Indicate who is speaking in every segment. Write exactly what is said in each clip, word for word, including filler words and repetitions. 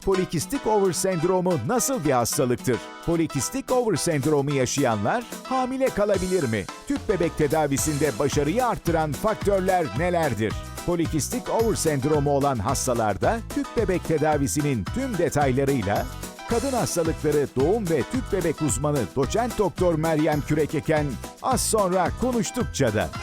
Speaker 1: Polikistik over sendromu nasıl bir hastalıktır? Polikistik over sendromu yaşayanlar hamile kalabilir mi? Tüp bebek tedavisinde başarıyı arttıran faktörler nelerdir? Polikistik over sendromu olan hastalarda tüp bebek tedavisinin tüm detaylarıyla kadın hastalıkları doğum ve tüp bebek uzmanı doçent doktor Meryem Kürekeken az sonra konuştukça da.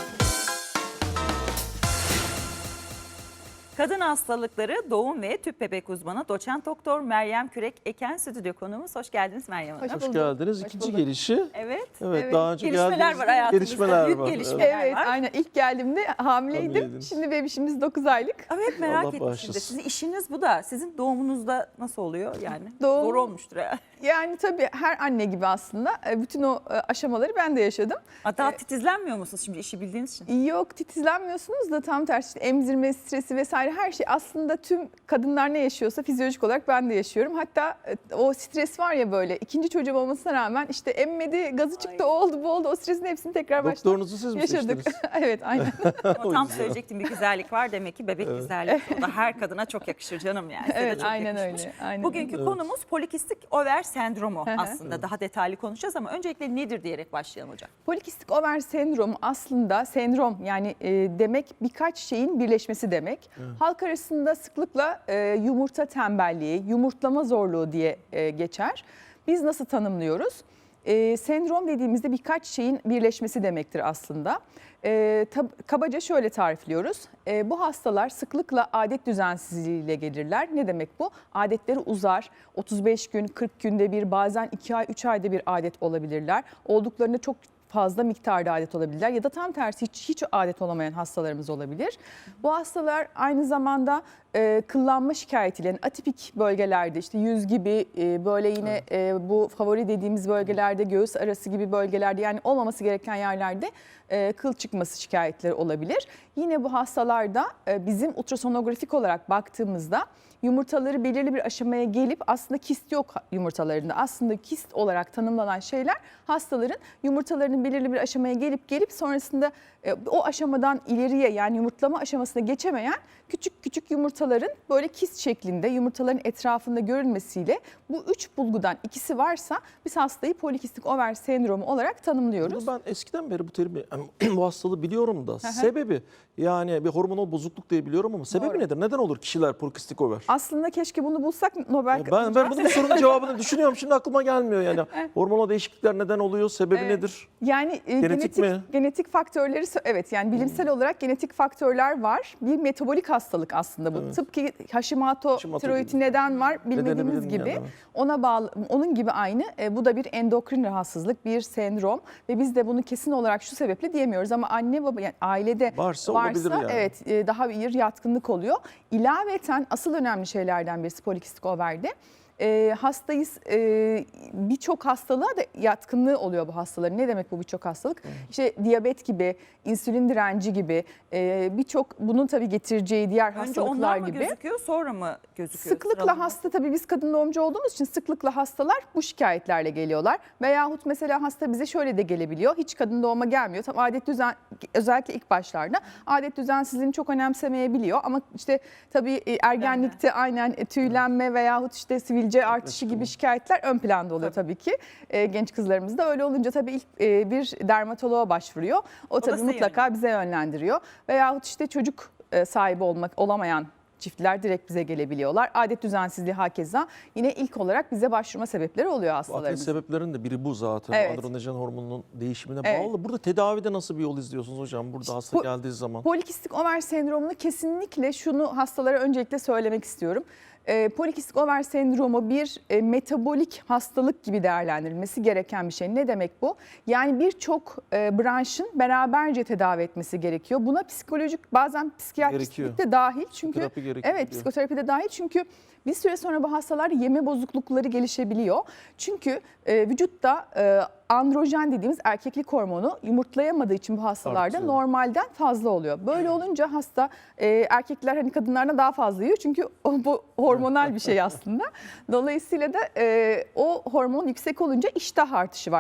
Speaker 2: Kadın hastalıkları doğum ve tüp bebek uzmanı doçent doktor Meryem Kürek-Eken stüdyo konuğumuz. Hoş geldiniz Meryem Hanım.
Speaker 3: Hoş, Hoş geldiniz.
Speaker 4: Hoş
Speaker 3: İkinci
Speaker 4: bulduk.
Speaker 3: gelişi.
Speaker 2: Evet.
Speaker 3: Evet,
Speaker 2: evet.
Speaker 3: daha önce
Speaker 2: gelişmeler
Speaker 3: geldiğinizde
Speaker 2: var hayatımızda.
Speaker 3: gelişmeler
Speaker 2: Büyük
Speaker 3: var.
Speaker 2: gelişmeler
Speaker 4: Evet,
Speaker 2: var.
Speaker 4: aynen. İlk geldiğimde hamileydim.
Speaker 3: Hamileydiniz.
Speaker 4: Şimdi bebişimiz dokuz aylık.
Speaker 2: Evet, merak
Speaker 3: Allah
Speaker 2: ettim
Speaker 3: bağışlasın.
Speaker 2: şimdi. Sizin işiniz bu da. Sizin doğumunuzda nasıl oluyor yani?
Speaker 4: Doğum-
Speaker 2: Zor olmuştur ya.
Speaker 4: Yani tabii her anne gibi aslında e, bütün o e, aşamaları ben de yaşadım.
Speaker 2: Hatta titizlenmiyor musunuz şimdi işi bildiğiniz için?
Speaker 4: Yok, titizlenmiyorsunuz da tam tersi işte emzirme, stresi vesaire her şey aslında tüm kadınlar ne yaşıyorsa fizyolojik olarak ben de yaşıyorum. Hatta e, o stres var ya böyle ikinci çocuğum olmasına rağmen işte emmedi, gazı çıktı, o oldu bu oldu, o stresin hepsini tekrar baştan
Speaker 3: Doktorunuzu siz mi
Speaker 4: yaşadık.
Speaker 3: seçtiniz?
Speaker 4: Evet, aynen.
Speaker 2: Ama tam
Speaker 3: yüzden.
Speaker 2: söyleyecektim, bir güzellik var demek ki bebek güzelliği. O da her kadına çok yakışır canım yani. Size de
Speaker 4: Evet,
Speaker 2: çok
Speaker 4: aynen
Speaker 2: yakışmış.
Speaker 4: öyle. Aynen
Speaker 2: Bugünkü
Speaker 3: Evet.
Speaker 2: konumuz polikistik over sendromu
Speaker 4: hı.
Speaker 2: aslında. Daha detaylı konuşacağız ama öncelikle nedir diyerek başlayalım hocam.
Speaker 4: Polikistik over sendromu aslında sendrom yani e, demek birkaç şeyin birleşmesi demek.
Speaker 3: Evet.
Speaker 4: Halk arasında sıklıkla e, yumurta tembelliği, yumurtlama zorluğu diye e, geçer. Biz nasıl tanımlıyoruz? E, sendrom dediğimizde birkaç şeyin birleşmesi demektir aslında. E, tab- kabaca şöyle tarifliyoruz. E, bu hastalar sıklıkla adet düzensizliğiyle gelirler. Ne demek bu? Adetleri uzar. otuz beş gün, kırk günde bir, bazen iki ay, üç ayda bir adet olabilirler. Olduklarında çok fazla miktarda adet olabilirler ya da tam tersi hiç, hiç adet olamayan hastalarımız olabilir. Bu hastalar aynı zamanda e, kıllanma şikayetiyle yani atipik bölgelerde işte yüz gibi e, böyle yine e, bu favori dediğimiz bölgelerde göğüs arası gibi bölgelerde yani olmaması gereken yerlerde e, kıl çıkması şikayetleri olabilir. Yine bu hastalarda e, bizim ultrasonografik olarak baktığımızda yumurtaları belirli bir aşamaya gelip aslında kist yok yumurtalarında. Aslında kist olarak tanımlanan şeyler hastaların yumurtalarının belirli bir aşamaya gelip gelip sonrasında e, o aşamadan ileriye yani yumurtlama aşamasına geçemeyen küçük küçük yumurtaların böyle kist şeklinde yumurtaların etrafında görülmesiyle bu üç bulgudan ikisi varsa biz hastayı polikistik over sendromu olarak tanımlıyoruz.
Speaker 3: Bunu ben eskiden beri bu terimi, yani bu hastalığı biliyorum da sebebi yani bir hormonal bozukluk diye biliyorum ama sebebi
Speaker 4: Doğru.
Speaker 3: nedir? Neden olur kişiler polikistik over?
Speaker 4: Aslında keşke bunu bulsak Nobel
Speaker 3: Ben, ben bunun sorunun cevabını düşünüyorum. Şimdi aklıma gelmiyor yani. Hormonal değişiklikler neden oluyor? Sebebi
Speaker 4: Evet.
Speaker 3: nedir?
Speaker 4: Yani e,
Speaker 3: Genetik
Speaker 4: genetik
Speaker 3: mi?
Speaker 4: genetik faktörleri sö- evet yani bilimsel olarak genetik faktörler var. Bir metabolik hastalık aslında bu.
Speaker 3: Evet.
Speaker 4: Tıpkı Hashimoto
Speaker 3: Hashimoto
Speaker 4: tiroidi
Speaker 3: gibi.
Speaker 4: neden var
Speaker 3: Nedeni
Speaker 4: bilmediğimiz
Speaker 3: bilinmeyen,
Speaker 4: gibi.
Speaker 3: evet.
Speaker 4: Ona bağlı onun gibi aynı. E, bu da bir endokrin rahatsızlık, bir sendrom ve biz de bunu kesin olarak şu sebeple diyemiyoruz ama anne baba yani ailede
Speaker 3: Varsa olabilir yani.
Speaker 4: evet e, daha bir yatkınlık oluyor. İlaveten asıl önemli şeylerden birisi polikistik overde. E, hastayız e, birçok hastalığa da yatkınlığı oluyor bu hastaların. Ne demek bu birçok hastalık?
Speaker 3: Evet.
Speaker 4: İşte diyabet gibi, insülin direnci gibi e, birçok bunun tabii getireceği diğer
Speaker 2: Önce
Speaker 4: hastalıklar
Speaker 2: onlar mı
Speaker 4: gibi.
Speaker 2: gözüküyor sonra mı gözüküyor?
Speaker 4: Sıklıkla
Speaker 2: Sıralama.
Speaker 4: hasta tabii biz kadın doğumcu olduğumuz için sıklıkla hastalar bu şikayetlerle geliyorlar. Veyahut mesela hasta bize şöyle de gelebiliyor. Hiç kadın doğuma gelmiyor. Tam adet düzen özellikle ilk başlarda adet düzensizliğini çok önemsemeyebiliyor. Ama işte tabii e, ergenlikte aynen e, tüylenme veyahut işte sivilce artışı gibi şikayetler ön planda oluyor tabii ki. E, genç kızlarımızda öyle olunca tabii ilk e, bir dermatoloğa başvuruyor. O
Speaker 2: da
Speaker 4: tabii
Speaker 2: size
Speaker 4: mutlaka bize yönlendiriyor. Veyahut işte çocuk e, sahibi olmak olamayan çiftler direkt bize gelebiliyorlar. Adet düzensizliği hakeza yine ilk olarak bize başvurma sebepleri oluyor
Speaker 3: Bu akne
Speaker 4: hastalarımız.
Speaker 3: sebeplerin de biri bu zaten.
Speaker 4: Evet.
Speaker 3: Androjen hormonunun değişimine
Speaker 4: Evet.
Speaker 3: bağlı. Burada tedavide nasıl bir yol izliyorsunuz hocam? Burada hasta
Speaker 4: po-
Speaker 3: geldiği zaman.
Speaker 4: Polikistik over sendromunu kesinlikle şunu hastalara öncelikle söylemek istiyorum. E, polikistik over sendromu bir e, metabolik hastalık gibi değerlendirilmesi gereken bir şey. Ne demek bu? Yani birçok e, branşın beraberce tedavi etmesi gerekiyor. Buna psikolojik bazen psikiyatristlik de dahil. Çünkü
Speaker 3: Psikoterapi gerekiyor
Speaker 4: evet
Speaker 3: diyor.
Speaker 4: psikoterapi de dahil çünkü bir süre sonra bu hastalar yeme bozuklukları gelişebiliyor. Çünkü e, vücutta e, androjen dediğimiz erkeklik hormonu yumurtlayamadığı için bu hastalarda
Speaker 3: Artıyor.
Speaker 4: normalden fazla oluyor. Böyle olunca hasta e, erkekler hani kadınlardan daha fazla yiyor çünkü o, bu hormonal bir şey aslında. Dolayısıyla da e, o hormon yüksek olunca iştah artışı var.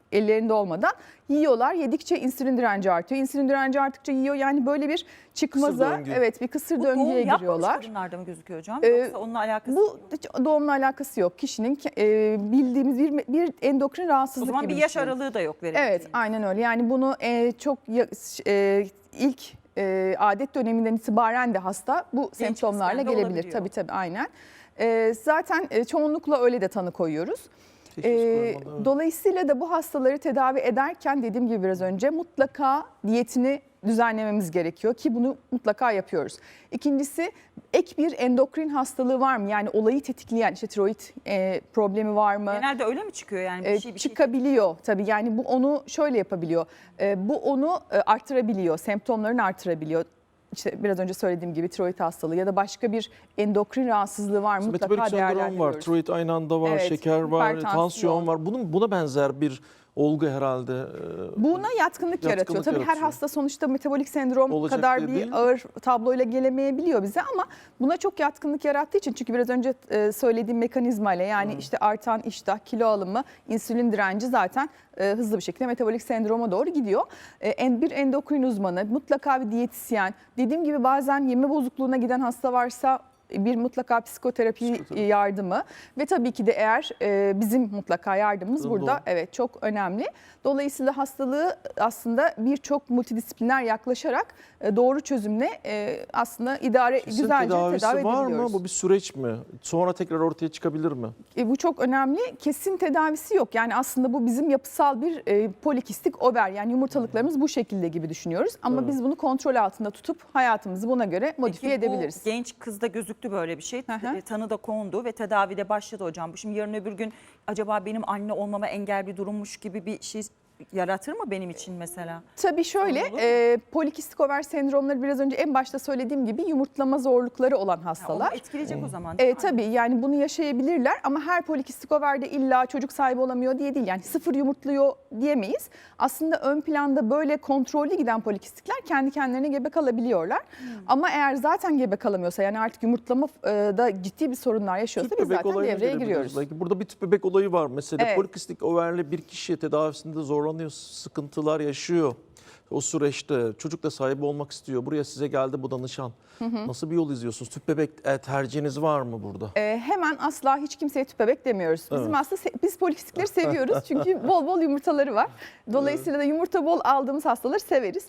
Speaker 4: ellerinde olmadan yiyorlar. Yedikçe insülin direnci artıyor. İnsülin direnci arttıkça yiyor. Yani böyle bir çıkmaza,
Speaker 3: döngü.
Speaker 4: evet bir kısır
Speaker 2: Bu
Speaker 4: döngüye
Speaker 2: doğum yapmamış
Speaker 4: giriyorlar.
Speaker 2: kadınlarda mı gözüküyor hocam?
Speaker 4: Ee,
Speaker 2: Yoksa onunla alakası
Speaker 4: Bu
Speaker 2: yok.
Speaker 4: hiç doğumla alakası yok. Kişinin e, bildiğimiz bir, bir endokrin
Speaker 2: O
Speaker 4: rahatsızlık
Speaker 2: zaman
Speaker 4: gibi
Speaker 2: bir yaş
Speaker 4: düşünün.
Speaker 2: aralığı da yok verebileceğiniz.
Speaker 4: Evet, aynen öyle. Yani bunu e, çok ya- e, ilk e, adet döneminden itibaren de hasta bu semptomlarla
Speaker 2: kızken de
Speaker 4: gelebilir.
Speaker 2: olabiliyor.
Speaker 4: Tabii tabii aynen. E, zaten e, çoğunlukla öyle de tanı koyuyoruz.
Speaker 3: Teşhis
Speaker 4: E,
Speaker 3: koymadan, evet.
Speaker 4: dolayısıyla da bu hastaları tedavi ederken dediğim gibi biraz önce mutlaka diyetini düzenlememiz gerekiyor ki bunu mutlaka yapıyoruz. İkincisi ek bir endokrin hastalığı var mı? Yani olayı tetikleyen işte tiroid e, problemi var mı?
Speaker 2: Genelde öyle mi çıkıyor yani bir
Speaker 4: E,
Speaker 2: şey bir şey?
Speaker 4: çıkabiliyor tabii, yani bu onu şöyle yapabiliyor. E, bu onu e, artırabiliyor, semptomlarını artırabiliyor. İşte biraz önce söylediğim gibi tiroid hastalığı ya da başka bir endokrin rahatsızlığı var mı? Mutlaka
Speaker 3: Metabolik sendrom var,
Speaker 4: değerlendiriyoruz.
Speaker 3: tiroid aynı anda var,
Speaker 4: Evet,
Speaker 3: şeker var,
Speaker 4: hipertansiyon.
Speaker 3: tansiyon var. Bunun buna benzer bir olgu herhalde. Ee,
Speaker 4: Buna yatkınlık, yaratıyor.
Speaker 3: Yatkınlık
Speaker 4: Tabii her
Speaker 3: yaratıyor.
Speaker 4: hasta sonuçta metabolik sendrom
Speaker 3: Olacak
Speaker 4: kadar
Speaker 3: diye
Speaker 4: bir
Speaker 3: değil.
Speaker 4: ağır tabloyla gelemeyebiliyor bize ama buna çok yatkınlık yarattığı için, çünkü biraz önce e, söylediğim mekanizmayla yani işte artan iştah, kilo alımı, insülin direnci zaten e, hızlı bir şekilde metabolik sendroma doğru gidiyor. E, en- bir endokrin uzmanı, mutlaka bir diyetisyen, dediğim gibi bazen yeme bozukluğuna giden hasta varsa bir mutlaka psikoterapi
Speaker 3: Psikoterapi.
Speaker 4: yardımı ve tabii ki de eğer e, bizim mutlaka yardımımız
Speaker 3: Doğru.
Speaker 4: burada evet çok önemli. Dolayısıyla hastalığı aslında birçok multidisipliner yaklaşarak e, doğru çözümle e, aslında idare
Speaker 3: Kesin
Speaker 4: güzelce
Speaker 3: tedavisi
Speaker 4: tedavi
Speaker 3: var mı?
Speaker 4: edebiliyoruz.
Speaker 3: Bu bir süreç mi? Sonra tekrar ortaya çıkabilir mi?
Speaker 4: E, bu çok önemli. Kesin tedavisi yok. Yani aslında bu bizim yapısal bir e, polikistik over, yani yumurtalıklarımız bu şekilde gibi düşünüyoruz. Ama
Speaker 3: Evet.
Speaker 4: biz bunu kontrol altında tutup hayatımızı buna göre modifiye
Speaker 2: Peki
Speaker 4: edebiliriz.
Speaker 2: bu genç kızda gözüktü böyle bir şey.
Speaker 4: Hı hı.
Speaker 2: E, Tanı da kondu ve tedavide başladı hocam. Bu şimdi yarın öbür gün acaba benim anne olmama engel bir durummuş gibi bir şey yaratır mı benim için mesela?
Speaker 4: Tabii şöyle,
Speaker 2: Sorun olur mu?
Speaker 4: e, polikistik over sendromları biraz önce en başta söylediğim gibi yumurtlama zorlukları olan
Speaker 2: Ha,
Speaker 4: hastalar.
Speaker 2: onu etkileyecek o zaman. değil
Speaker 4: E,
Speaker 2: mi?
Speaker 4: tabii yani bunu yaşayabilirler ama her polikistik overde illa çocuk sahibi olamıyor diye değil. Yani sıfır yumurtluyor diyemeyiz. Aslında ön planda böyle kontrollü giden polikistikler kendi kendilerine gebe kalabiliyorlar.
Speaker 2: Hmm.
Speaker 4: Ama eğer zaten gebe kalamıyorsa, yani artık yumurtlamada ciddi bir sorunlar yaşıyorsa
Speaker 3: Tüp
Speaker 4: biz
Speaker 3: bebek
Speaker 4: zaten
Speaker 3: olayına
Speaker 4: devreye
Speaker 3: gelebiliriz
Speaker 4: giriyoruz.
Speaker 3: belki. Burada bir tüp bebek olayı var mesela.
Speaker 4: Evet.
Speaker 3: Polikistik overli bir kişi tedavisinde zorlanıyor, sıkıntılar yaşıyor. O süreçte çocuk da sahibi olmak istiyor. Buraya size geldi bu danışan. Nasıl bir yol izliyorsunuz? Tüp bebek e, tercihiniz var mı burada?
Speaker 4: E, hemen asla hiç kimseye tüp bebek demiyoruz. Bizim
Speaker 3: Evet.
Speaker 4: aslında se- biz polikistikleri seviyoruz çünkü bol bol yumurtaları var. Dolayısıyla da yumurta bol aldığımız hastaları severiz.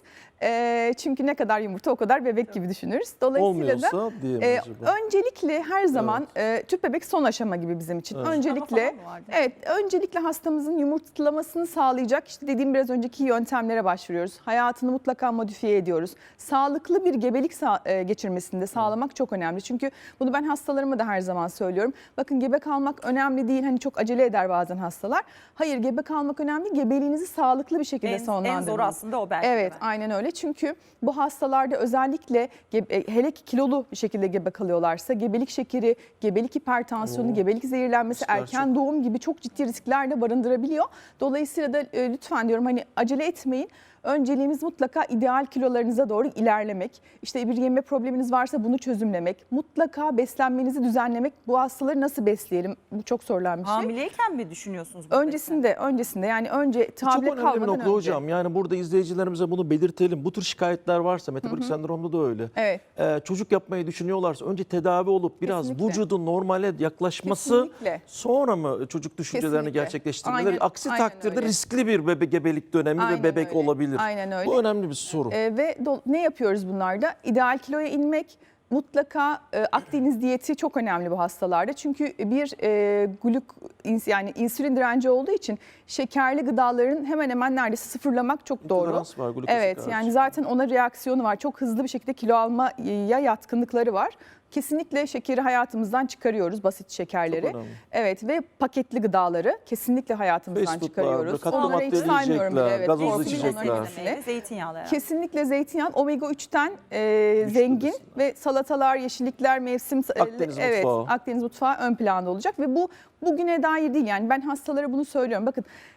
Speaker 4: E, çünkü ne kadar yumurta o kadar bebek gibi düşünürüz. Dolayısıyla da
Speaker 3: Olmuyorsa diye mi
Speaker 4: e,
Speaker 3: acaba?
Speaker 4: öncelikle her zaman e, tüp bebek son aşama gibi bizim için.
Speaker 3: Evet.
Speaker 4: Öncelikle
Speaker 2: Ama falan mı vardı?
Speaker 4: evet, öncelikle hastamızın yumurtlamasını sağlayacak işte dediğim biraz önceki yöntemlere başvuruyoruz. Hayatını mutlaka modifiye ediyoruz. Sağlıklı bir gebelik sa- e, geçirmesini de sağlamak çok önemli. Çünkü bunu ben hastalarıma da her zaman söylüyorum. Bakın, gebe kalmak önemli değil. Hani çok acele eder bazen hastalar. Hayır, gebe kalmak önemli. Gebeliğinizi sağlıklı bir şekilde
Speaker 2: En,
Speaker 4: sonlandırmanız.
Speaker 2: en zoru aslında o belki. de
Speaker 4: Evet,
Speaker 2: ben.
Speaker 4: aynen öyle. Çünkü bu hastalarda özellikle gebe- hele ki kilolu bir şekilde gebe kalıyorlarsa gebelik şekeri, gebelik hipertansiyonu,
Speaker 3: Oo.
Speaker 4: gebelik zehirlenmesi,
Speaker 3: Riskler
Speaker 4: erken doğum gibi çok ciddi riskler de barındırabiliyor. Dolayısıyla da e, lütfen diyorum, hani acele etmeyin. Önceliğimiz mutlaka ideal kilolarınıza doğru ilerlemek. İşte bir yeme probleminiz varsa bunu çözümlemek. Mutlaka beslenmenizi düzenlemek. Bu hastaları nasıl besleyelim? Bu çok sorulan bir şey.
Speaker 2: Hamileyken mi düşünüyorsunuz? bu
Speaker 4: Öncesinde, öncesinde yani önce
Speaker 3: Bu çok
Speaker 4: tablet
Speaker 3: önemli bir
Speaker 4: kalmadan
Speaker 3: nokta
Speaker 4: önce.
Speaker 3: hocam. Yani burada izleyicilerimize bunu belirtelim. Bu tür şikayetler varsa, metabolik sendromda da öyle.
Speaker 4: Evet.
Speaker 3: Ee, çocuk yapmayı düşünüyorlarsa önce tedavi olup biraz
Speaker 4: Kesinlikle.
Speaker 3: vücudun normale yaklaşması,
Speaker 4: Kesinlikle.
Speaker 3: sonra mı çocuk düşüncelerini
Speaker 4: Kesinlikle.
Speaker 3: gerçekleştirmeleri?
Speaker 4: Aynen,
Speaker 3: Aksi
Speaker 4: aynen
Speaker 3: takdirde
Speaker 4: öyle.
Speaker 3: riskli bir bebe gebelik dönemi
Speaker 4: Aynen
Speaker 3: ve bebek
Speaker 4: öyle.
Speaker 3: olabilir.
Speaker 4: Aynen öyle.
Speaker 3: Bu önemli bir soru.
Speaker 4: Ee, ve do- ne yapıyoruz bunlarda? İdeal kiloya inmek, mutlaka e, Akdeniz diyeti çok önemli bu hastalarda. Çünkü bir e, glük ins- yani insülin direnci olduğu için şekerli gıdaların hemen hemen neredeyse sıfırlamak çok doğru.
Speaker 3: İntolerans var, glukoza
Speaker 4: Evet,
Speaker 3: karşı.
Speaker 4: yani zaten ona reaksiyonu var. Çok hızlı bir şekilde kilo almaya yatkınlıkları var. Kesinlikle şekeri hayatımızdan çıkarıyoruz, basit şekerleri.
Speaker 3: Çok önemli.
Speaker 4: Evet, ve paketli gıdaları kesinlikle hayatımızdan
Speaker 3: Fast foodlar,
Speaker 4: çıkarıyoruz.
Speaker 3: katkı
Speaker 4: Onları hiç
Speaker 3: maddeli
Speaker 4: saymıyorum bile.
Speaker 3: yiyecekler,
Speaker 4: Evet,
Speaker 3: gazozlu
Speaker 4: korkunç
Speaker 3: içecekler.
Speaker 4: onların hepsini.
Speaker 2: Meyve, zeytinyağlı herhalde.
Speaker 4: Kesinlikle zeytinyağı, omega üçten e, zengin
Speaker 3: besinler.
Speaker 4: ve salatalar, yeşillikler, mevsim
Speaker 3: Akdeniz
Speaker 4: evet,
Speaker 3: mutfağı.
Speaker 4: Akdeniz mutfağı ön planda olacak ve bu bugüne dair değil. Yani ben hastalara bunu söylüyorum. Bakın,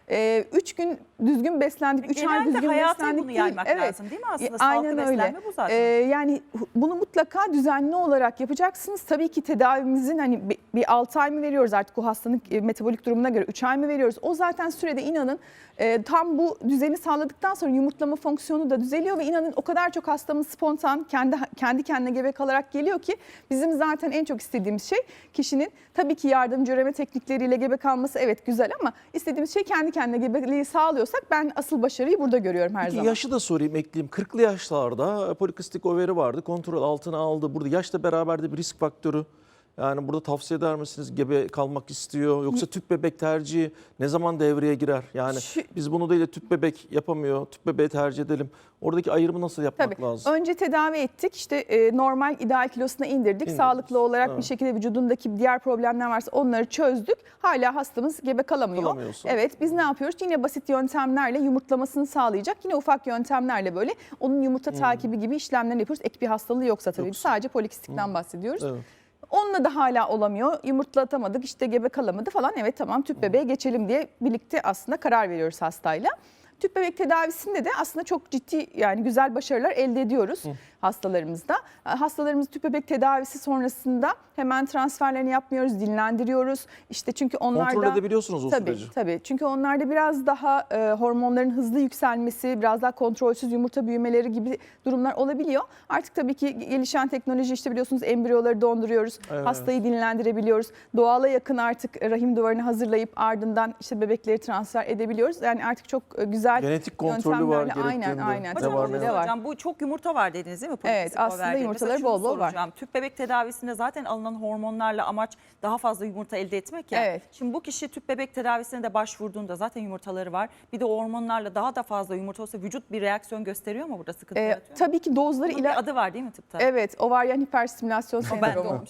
Speaker 4: üç gün düzgün beslendik, üç ay
Speaker 2: Genelde
Speaker 4: düzgün
Speaker 2: hayata
Speaker 4: beslendik
Speaker 2: bunu
Speaker 4: değil.
Speaker 2: yaymak lazım değil mi aslında?
Speaker 4: E,
Speaker 2: Sağlıklı
Speaker 4: aynen öyle.
Speaker 2: beslenme bu zaten.
Speaker 4: Ee, yani bunu mutlaka düzenli olarak yapacaksınız. Tabii ki tedavimizin hani bir- bir altı ay mı veriyoruz artık o hastanın e, metabolik durumuna göre, üç ay mı veriyoruz? O zaten sürede inanın e, tam bu düzeni sağladıktan sonra yumurtlama fonksiyonu da düzeliyor ve inanın o kadar çok hastamız spontan kendi kendi kendine gebe kalarak geliyor ki bizim zaten en çok istediğimiz şey kişinin tabii ki yardımcı üreme teknikleriyle gebe kalması evet güzel ama istediğimiz şey kendi kendine gebeliği sağlıyorsak ben asıl başarıyı burada görüyorum her
Speaker 3: Peki
Speaker 4: zaman.
Speaker 3: yaşı da sorayım, ekleyeyim. kırklı yaşlarda polikistik overi vardı. Kontrol altına aldı. Burada yaşla beraber de bir risk faktörü. Yani burada tavsiye eder misiniz? Gebe kalmak istiyor. Yoksa tüp bebek tercihi ne zaman devreye girer? Yani
Speaker 4: Şu-
Speaker 3: biz bunu değil de tüp bebek yapamıyor. Tüp bebeği tercih edelim. Oradaki ayrımı nasıl yapmak
Speaker 4: Tabii.
Speaker 3: lazım?
Speaker 4: Önce tedavi ettik. İşte e, normal ideal kilosuna indirdik.
Speaker 3: İndirdiniz.
Speaker 4: Sağlıklı olarak
Speaker 3: Evet.
Speaker 4: bir şekilde vücudundaki diğer problemler varsa onları çözdük. Hala hastamız gebe kalamıyor.
Speaker 3: Kalamıyorsa.
Speaker 4: Evet, biz ne yapıyoruz? Yine basit yöntemlerle yumurtlamasını sağlayacak. Yine ufak yöntemlerle böyle onun yumurta takibi gibi işlemlerini yapıyoruz. Ek bir hastalığı yoksa tabii.
Speaker 3: Yoksa.
Speaker 4: Sadece polikistikten bahsediyoruz.
Speaker 3: Evet.
Speaker 4: Onunla da hala olamıyor. Yumurtlatamadık, işte gebe kalamadı falan. Evet tamam tüp bebeğe geçelim diye birlikte aslında karar veriyoruz hastayla. Tüp bebek tedavisinde de aslında çok ciddi yani güzel başarılar elde ediyoruz hastalarımızda. Hastalarımız tüp bebek tedavisi sonrasında hemen transferlerini yapmıyoruz, dinlendiriyoruz. İşte çünkü onlarda
Speaker 3: Kontrol edebiliyorsunuz o
Speaker 4: tabii,
Speaker 3: süreci.
Speaker 4: Tabii çünkü onlarda biraz daha e, hormonların hızlı yükselmesi, biraz daha kontrolsüz yumurta büyümeleri gibi durumlar olabiliyor. Artık tabii ki gelişen teknoloji işte biliyorsunuz embriyoları donduruyoruz,
Speaker 3: Evet.
Speaker 4: hastayı dinlendirebiliyoruz. Doğala yakın artık rahim duvarını hazırlayıp ardından işte bebekleri transfer edebiliyoruz. Yani artık çok e, güzel
Speaker 3: Genetik kontrolü var
Speaker 4: yöntemlerle- Aynen
Speaker 3: gerektiğinde.
Speaker 4: aynen.
Speaker 3: Ne
Speaker 2: Hocam,
Speaker 3: var,
Speaker 2: onu
Speaker 3: ne
Speaker 4: de
Speaker 3: yok?
Speaker 4: var.
Speaker 2: hocam bu çok yumurta var dediniz değil mi?
Speaker 4: Evet,
Speaker 2: Polikistik
Speaker 4: aslında
Speaker 2: overde.
Speaker 4: yumurtaları
Speaker 2: Mesela şunu
Speaker 4: bol bol var.
Speaker 2: soracağım. Tüp bebek tedavisinde zaten alınan hormonlarla amaç daha fazla yumurta elde etmek ya.
Speaker 4: Evet.
Speaker 2: Şimdi bu kişi tüp bebek tedavisine de başvurduğunda zaten yumurtaları var. Bir de o hormonlarla daha da fazla yumurta olsa vücut bir reaksiyon gösteriyor mu burada sıkıntı
Speaker 4: E,
Speaker 2: yaratıyor mu?
Speaker 4: tabii ki dozları
Speaker 2: Bunun
Speaker 4: ile
Speaker 2: bir adı var değil mi tıpta?
Speaker 4: Evet, ovaryen hiperstimülasyon
Speaker 2: O bende
Speaker 4: sendromu.
Speaker 2: olmuş.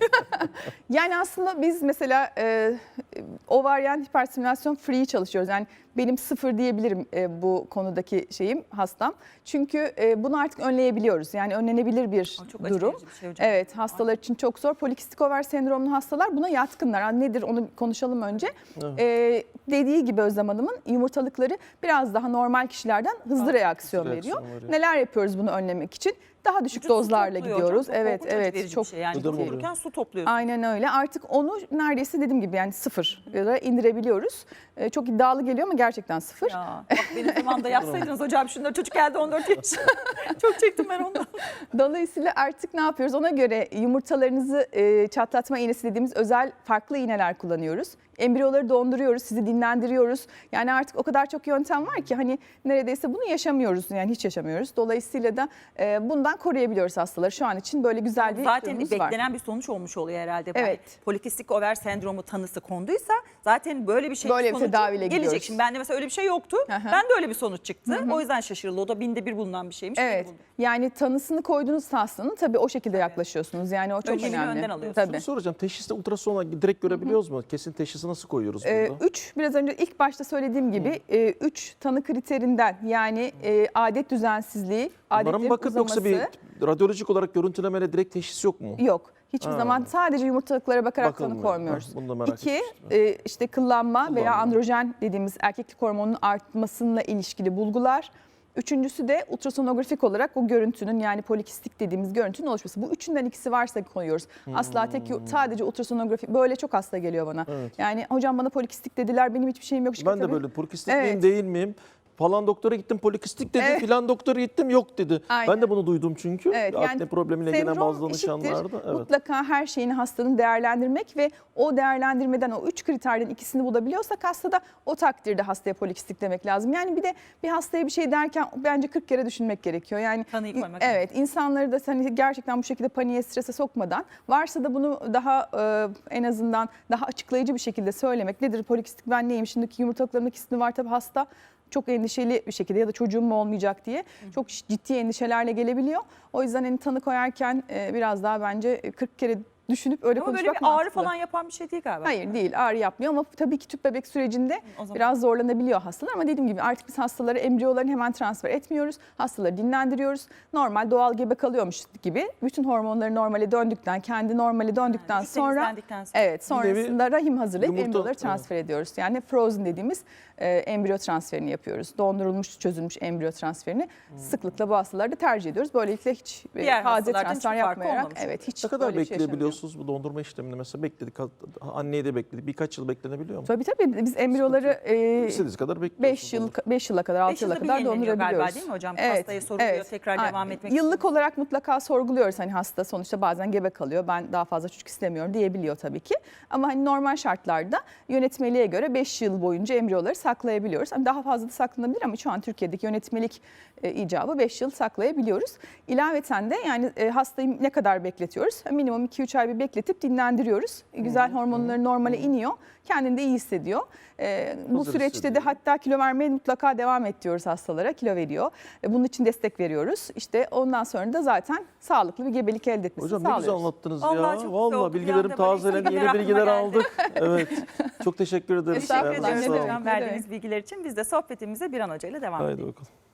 Speaker 4: Yani aslında biz mesela e, ovaryen hiperstimülasyon free çalışıyoruz. Yani benim sıfır diyebilirim e, bu konudaki şeyim hastam. Çünkü e, bunu artık önleyebiliyoruz. Yani önlenebilir bir
Speaker 2: Aa, çok
Speaker 4: durum.
Speaker 2: acılayıcı bir şey hocam.
Speaker 4: Evet, hastalar için çok zor. Polikistik over sendromlu hastalar buna yatkınlar. Yani nedir onu konuşalım önce.
Speaker 3: Evet.
Speaker 4: E, dediği gibi Özlem Hanım'ın yumurtalıkları biraz daha normal kişilerden hızlı reaksiyon
Speaker 3: hızlı
Speaker 4: veriyor.
Speaker 3: reaksiyon veriyor.
Speaker 4: Neler yapıyoruz bunu önlemek için? Daha düşük
Speaker 2: Vücut su
Speaker 4: dozlarla
Speaker 2: topluyor
Speaker 4: gidiyoruz.
Speaker 2: hocam. Çok
Speaker 4: Evet,
Speaker 2: korkunç acı
Speaker 4: evet.
Speaker 2: verici
Speaker 4: Çok
Speaker 2: bir şey. Yani
Speaker 3: Gıdım oluyor.
Speaker 2: dururken su topluyorsun.
Speaker 4: Aynen öyle. Artık onu neredeyse dediğim gibi yani sıfır indirebiliyoruz. Ee, çok iddialı geliyor ama gerçekten sıfır.
Speaker 2: Ya, bak benim zamanımda yapsaydınız hocam şunları çocuk geldi on dört yaş. Çok çektim ben ondan.
Speaker 4: Dolayısıyla artık ne yapıyoruz? Ona göre yumurtalarınızı e, çatlatma iğnesi dediğimiz özel farklı iğneler kullanıyoruz. Embriyoları donduruyoruz, sizi dinlendiriyoruz. Yani artık o kadar çok yöntem var ki hani neredeyse bunu yaşamıyoruz. Yani hiç yaşamıyoruz. Dolayısıyla da e, bundan koruyabiliyoruz hastaları. Şu an için böyle güzel bir
Speaker 2: Zaten
Speaker 4: durumumuz var.
Speaker 2: beklenen bir sonuç olmuş oluyor herhalde.
Speaker 4: Evet.
Speaker 2: Yani polikistik over sendromu tanısı konduysa zaten böyle bir şey
Speaker 4: Böyle bir
Speaker 2: sonucu
Speaker 4: tedaviyle
Speaker 2: gelecek.
Speaker 4: gidiyoruz.
Speaker 2: Şimdi bende mesela öyle bir şey yoktu.
Speaker 4: Hı hı.
Speaker 2: Ben de öyle bir sonuç çıktı. O yüzden şaşırıldı. O da binde bir bulunan bir şeymiş.
Speaker 4: Evet. Yani tanısını koyduğunuz hastanın tabii o şekilde yaklaşıyorsunuz. Yani o çok
Speaker 2: Önlemini
Speaker 4: önemli.
Speaker 2: önden alıyorsunuz.
Speaker 4: Tabii.
Speaker 3: Şunu soracağım. Teşhiste ultrasonla direkt görebiliyoruz mu? Kesin teşhisi nasıl koyuyoruz
Speaker 4: Ee,
Speaker 3: burada?
Speaker 4: üç biraz önce ilk başta söylediğim gibi e, üç tanı kriterinden yani e, adet düzensizliği,
Speaker 3: Bunlara mı
Speaker 4: adetlerin
Speaker 3: bakıp
Speaker 4: uzaması
Speaker 3: yoksa bir radyolojik olarak görüntülemeyle direkt teşhis yok mu?
Speaker 4: yok. Hiçbir
Speaker 3: Ha.
Speaker 4: zaman sadece yumurtalıklara bakarak tanı
Speaker 3: Bakılmıyor.
Speaker 4: koymuyoruz.
Speaker 3: Ha, bunu da merak
Speaker 4: İki,
Speaker 3: etmiştim.
Speaker 4: e, işte kıllanma, veya
Speaker 3: Kıllanma.
Speaker 4: androjen dediğimiz erkeklik hormonunun artmasıyla ilişkili bulgular. Üçüncüsü de ultrasonografik olarak o görüntünün yani polikistik dediğimiz görüntünün oluşması. Bu üçünden ikisi varsa koyuyoruz. Asla tek sadece ultrasonografi böyle çok hasta geliyor bana.
Speaker 3: Evet.
Speaker 4: Yani hocam bana polikistik dediler benim hiçbir şeyim yok.
Speaker 3: Ben de
Speaker 4: Tabii.
Speaker 3: böyle polikistik
Speaker 4: Evet.
Speaker 3: miyim değil miyim? Falan doktora gittim polikistik dedi,
Speaker 4: Evet.
Speaker 3: filan doktora gittim yok dedi.
Speaker 4: Aynen.
Speaker 3: Ben de bunu duydum çünkü.
Speaker 4: Evet,
Speaker 3: Akne
Speaker 4: yani
Speaker 3: problemiyle gelen
Speaker 4: sendrom
Speaker 3: bazı danışanlarda.
Speaker 4: eşittir.
Speaker 3: Evet.
Speaker 4: Mutlaka her şeyini hastanın değerlendirmek ve o değerlendirmeden o üç kriterden ikisini bulabiliyorsak hastada o takdirde hastaya polikistik demek lazım. Yani bir de bir hastaya bir şey derken bence kırk kere düşünmek gerekiyor. Yani
Speaker 2: Tanıyı koymak
Speaker 4: evet insanları da hani gerçekten bu şekilde paniğe, strese sokmadan varsa da bunu daha e, en azından daha açıklayıcı bir şekilde söylemek. Nedir polikistik, ben neyim, şimdiki yumurtalıklarımın ikisini var tabii hasta çok endişeli bir şekilde ya da çocuğum mu olmayacak diye çok ciddi endişelerle gelebiliyor. O yüzden hani tanı koyarken e, biraz daha bence kırk kere düşünüp öyle
Speaker 2: Ama böyle
Speaker 4: konuşmak
Speaker 2: bir ağrı
Speaker 4: mantıklı.
Speaker 2: falan yapan bir şey değil galiba.
Speaker 4: Hayır değil, ağrı yapmıyor ama tabii ki tüp bebek sürecinde
Speaker 2: O zaman-
Speaker 4: biraz zorlanabiliyor hastalar ama dediğim gibi artık biz hastaları embriyolarını hemen transfer etmiyoruz. Hastaları dinlendiriyoruz. Normal doğal gebe kalıyormuş gibi bütün hormonları normale döndükten, kendi normale döndükten
Speaker 2: Yani
Speaker 4: sonra
Speaker 2: temizlendikten sonra.
Speaker 4: evet sonrasında rahim hazırlayıp
Speaker 3: yumurta-
Speaker 4: embriyoları transfer ediyoruz. Yani frozen dediğimiz e, embriyo transferini yapıyoruz. Dondurulmuş, çözülmüş embriyo transferini sıklıkla bu hastalarda tercih ediyoruz. Böylelikle hiç e,
Speaker 2: Diğer
Speaker 4: taze
Speaker 2: hastalardan
Speaker 4: transfer
Speaker 2: hiçbir farkı
Speaker 4: yapmayarak
Speaker 2: olmamış
Speaker 4: evet hiç
Speaker 3: Ne kadar
Speaker 4: böyle bir şey yaşanmıyor.
Speaker 3: bekleyebiliyorsunuz bu dondurma işlemini? Mesela bekledik, anneyi de bekledik. Birkaç yıl beklenebiliyor mu?
Speaker 4: Tabii tabii biz embriyoları e,
Speaker 3: İstediğiniz kadar bekliyorsunuz.
Speaker 4: beş yıl beş yıla kadar altı
Speaker 2: Beş
Speaker 4: yıla
Speaker 2: yılda bir
Speaker 4: kadar
Speaker 2: yenileniyor
Speaker 4: dondurabiliyoruz.
Speaker 2: galiba değil mi hocam? Hastaya soruluyor, tekrar
Speaker 4: Aynen.
Speaker 2: devam etmek
Speaker 4: Yıllık
Speaker 2: istiyor.
Speaker 4: olarak mutlaka sorguluyoruz. Hani hasta sonuçta bazen gebe kalıyor. Ben daha fazla çocuk istemiyorum diyebiliyor tabii ki. Ama hani normal şartlarda yönetmeliğe göre beş yıl boyunca embriyoları saklayabiliyoruz. Hani daha fazla da saklanabilir ama şu an Türkiye'deki yönetmelik e, icabı beş yıl saklayabiliyoruz. İlaveten de yani e, hastayı ne kadar bekletiyoruz? Minimum iki üç ay bir bekletip dinlendiriyoruz. E, Güzel hormonları normale iniyor. Kendini de iyi hissediyor. E, bu
Speaker 3: Hazır
Speaker 4: süreçte de
Speaker 3: hissediyor.
Speaker 4: hatta kilo vermeye mutlaka devam et diyoruz hastalara. Kilo veriyor. E, Bunun için destek veriyoruz. İşte ondan sonra da zaten sağlıklı bir gebelik elde etmesini
Speaker 3: Hocam ne
Speaker 4: sağlıyoruz.
Speaker 3: güzel anlattınız
Speaker 2: Vallahi
Speaker 3: ya.
Speaker 2: çok güzel
Speaker 3: Vallahi
Speaker 2: oldu. Bir
Speaker 3: bilgilerim
Speaker 2: anda böyle
Speaker 3: tazelendi,
Speaker 2: bilgiler
Speaker 3: yeni
Speaker 2: aklıma
Speaker 3: bilgiler
Speaker 2: geldi.
Speaker 3: aldık. Evet. Çok teşekkür ederiz.
Speaker 4: Estağfurullah,
Speaker 3: Ayağınıza
Speaker 2: Teşekkür
Speaker 4: ne
Speaker 2: ederiz
Speaker 3: sağlık.
Speaker 4: demek.
Speaker 2: hocam verdiğiniz bilgiler için. Biz de sohbetimize bir an hocayla devam
Speaker 3: Haydi
Speaker 2: edelim.
Speaker 3: bakalım.